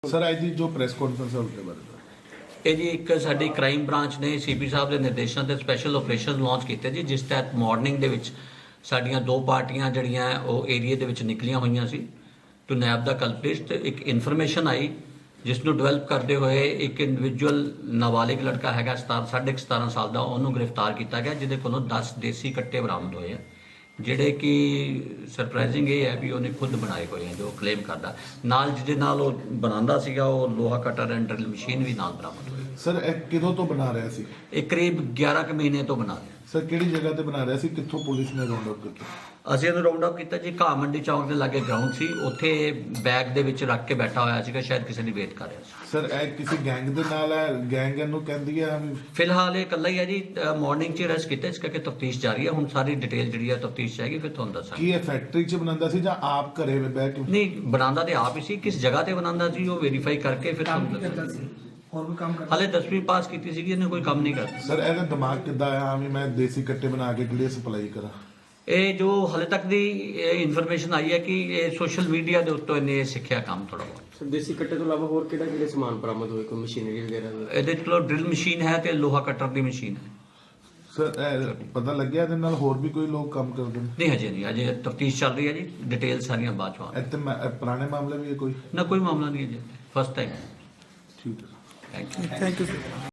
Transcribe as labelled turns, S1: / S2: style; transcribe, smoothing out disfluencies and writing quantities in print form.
S1: Sir ਅੱਜ ਦੀ ਜੋ press conference ਹੈ ਉਸਦੇ ਬਾਰੇ
S2: ਇਹ ਜੀ ਇੱਕ ਸਾਡੀ ਕ੍ਰਾਈਮ ਬ੍ਰਾਂਚ ਨੇ ਸੀਪੀ ਸਾਹਿਬ ਦੇ ਨਿਰਦੇਸ਼ਾਂ ਤੇ ਸਪੈਸ਼ਲ ਆਪਰੇਸ਼ਨ ਲਾਂਚ ਕੀਤੇ ਜੀ, ਜਿਸ ਤਹਿਤ ਮਾਰਨਿੰਗ ਦੇ ਵਿੱਚ ਸਾਡੀਆਂ ਦੋ ਪਾਰਟੀਆਂ ਜਿਹੜੀਆਂ ਉਹ ਏਰੀਆ ਦੇ ਵਿੱਚ ਨਿਕਲੀਆਂ ਹੋਈਆਂ ਸੀ ਟੂ ਨੈਬ ਦਾ ਕਲਪਿਟ। ਇੱਕ ਇਨਫੋਰਮੇਸ਼ਨ ਆਈ ਜਿਸ ਨੂੰ ਡਿਵੈਲਪ ਕਰਦੇ ਹੋਏ ਇੱਕ ਇੰਡੀਵਿਜੂਅਲ ਨਾਬਾਲਿਗ ਲੜਕਾ ਹੈਗਾ 17.5 ਸਾਲ ਦਾ, ਉਹਨੂੰ ਗ੍ਰਿਫਤਾਰ ਕੀਤਾ ਗਿਆ, ਜਿਹਦੇ ਕੋਲੋਂ 10 ਦੇਸੀ ਕੱਟੇ ਬਰਾਮਦ ਹੋਏ ਆ, ਜਿਹੜੇ ਕਿ ਸਰਪ੍ਰਾਈਜ਼ਿੰਗ ਇਹ ਹੈ ਵੀ ਉਹਨੇ ਖੁਦ ਬਣਾਏ ਹੋਏ ਆ ਜੋ ਕਲੇਮ ਕਰਦਾ। ਨਾਲ ਜਿਹਦੇ ਨਾਲ ਉਹ ਬਣਾਉਂਦਾ ਸੀਗਾ ਉਹ ਲੋਹਾ ਕਟਰ ਐਂਡ ਡਰਿਲ ਮਸ਼ੀਨ ਵੀ ਨਾਲ ਬਰਾਮਦ ਹੋਈ।
S1: ਸਰ ਇਹ ਕਿਦੋਂ ਤੋਂ ਬਣਾ ਰਿਹਾ ਸੀ?
S2: ਇਹ ਕਰੀਬ 11 ਕੁ ਮਹੀਨੇ ਤੋਂ ਬਣਾ ਰਿਹਾ।
S1: ਸਰ ਕਿਹੜੀ ਜਗ੍ਹਾ ਤੇ ਬਣਾ ਰਿਹਾ ਸੀ? ਕਿੱਥੋਂ ਪੁਲਿਸ ਨੇ ਰਾਉਂਡ ਅਪ ਕੀਤਾ?
S2: ਅਸੀਂ ਇਹਨੂੰ ਰਾਉਂਡ ਅਪ ਕੀਤਾ ਜੀ, ਘਾਹ ਮੰਡੀ ਚੌਂਕ ਦੇ ਲਾਗੇ ਗਰਾਊਂਡ ਸੀ, ਉੱਥੇ ਬੈਗ ਦੇ ਵਿੱਚ ਰੱਖ ਕੇ ਬੈਠਾ ਹੋਇਆ ਸੀਗਾ, ਸ਼ਾਇਦ ਕਿਸੇ ਦੀ ਵੇਟ ਕਰ ਰਿਹਾ ਸੀ।
S1: ਸਰ ਇਹ ਕਿਸੇ ਗੈਂਗ ਦੇ ਨਾਲ ਹੈ? ਗੈਂਗ ਇਹਨੂੰ ਕਹਿੰਦੀ ਹੈ?
S2: ਫਿਲਹਾਲ ਇਹ ਇਕੱਲਾ ਹੀ ਹੈ ਜੀ, ਮਾਰਨਿੰਗ 'ਚ ਅਰੈਸਟ ਕੀਤਾ, ਇਸ ਕਰਕੇ ਤਫਤੀਸ਼ ਜਾਰੀ ਹੈ। ਹੁਣ ਸਾਰੀ ਡਿਟੇਲ ਜਿਹੜੀ ਹੈ ਤਫਤੀਸ਼ ਚਾਹੀਗੀ, ਫਿਰ ਤੁਹਾਨੂੰ ਦੱਸਾਂਗੇ।
S1: ਕੀ ਇਹ ਫੈਕਟਰੀ 'ਚ ਬਣਾਉਂਦਾ ਸੀ ਜਾਂ ਆਪ ਘਰੇ ਬਹਿ ਕੇ?
S2: ਨਹੀਂ, ਬਣਾਉਂਦਾ ਤੇ ਆਪ ਹੀ ਸੀ, ਕਿਸ ਜਗ੍ਹਾ ਤੇ ਬਣਾਉਂਦਾ ਸੀ ਉਹ ਵੈਰੀਫਾਈ ਕਰਕੇ ਫਿਰ ਤੁਹਾਨੂੰ ਦੱਸਾਂਗੇ।
S3: ਹੋਰ ਵੀ ਕੰਮ ਕਰਦਾ?
S2: ਹਾਲੇ 10ਵੀਂ ਪਾਸ ਕੀਤੀ ਸੀਗੀ, ਇਹਨੇ ਕੋਈ ਕੰਮ ਨਹੀਂ ਕਰਦਾ।
S1: ਸਰ ਇਹਦਾ ਦਿਮਾਗ ਕਿੱਦਾਂ ਆਇਆ ਵੀ ਮੈਂ ਦੇਸੀ ਕੱਟੇ ਬਣਾ ਕੇ ਕਿਹੜੇ ਸਪਲਾਈ ਕਰਾਂ?
S2: ਇਹ ਜੋ ਹਾਲੇ ਤੱਕ ਦੀ ਇਨਫੋਰਮੇਸ਼ਨ ਆਈ ਹੈ ਕਿ ਇਹ ਸੋਸ਼ਲ ਮੀਡੀਆ ਦੇ ਉੱਤੋਂ ਇਹਨੇ ਸਿੱਖਿਆ ਕੰਮ ਥੋੜਾ ਬਹੁਤ।
S4: ਸਰ ਦੇਸੀ ਕੱਟੇ ਤੋਂ ਇਲਾਵਾ ਹੋਰ ਕਿਹੜੇ ਸਮਾਨ ਬਰਾਮਦ ਹੋਏ, ਕੋਈ ਮਸ਼ੀਨਰੀ ਵਗੈਰਾ?
S2: ਇਹਦੇ ਕੋਲ ਡਰਿਲ ਮਸ਼ੀਨ ਹੈ ਤੇ ਲੋਹਾ ਕਟਰ ਦੀ ਮਸ਼ੀਨ ਹੈ।
S1: ਸਰ ਇਹ ਪਤਾ ਲੱਗਿਆ ਇਹਦੇ ਨਾਲ ਹੋਰ ਵੀ ਕੋਈ ਲੋਕ ਕੰਮ ਕਰਦੇ ਨੇ?
S2: ਨਹੀਂ, ਹਜੇ ਨਹੀਂ, ਅਜੇ ਤਫਤੀਸ਼ ਚੱਲ ਰਹੀ ਹੈ ਜੀ, ਡਿਟੇਲ ਸਾਰੀਆਂ ਬਾਅਦ ਚੋਂ ਆਉਣਗੀਆਂ।
S1: ਇੱਥੇ ਪੁਰਾਣੇ ਮਾਮਲੇ ਵੀ ਹੈ ਕੋਈ?
S2: ਨਾ, ਕੋਈ ਮਾਮਲਾ ਨਹੀਂ ਹੈ ਜੀ, ਫਸਟ ਟਾਈਮ।
S1: ਠੀਕ ਹੈ।
S2: Thank you.
S3: Thank you sir.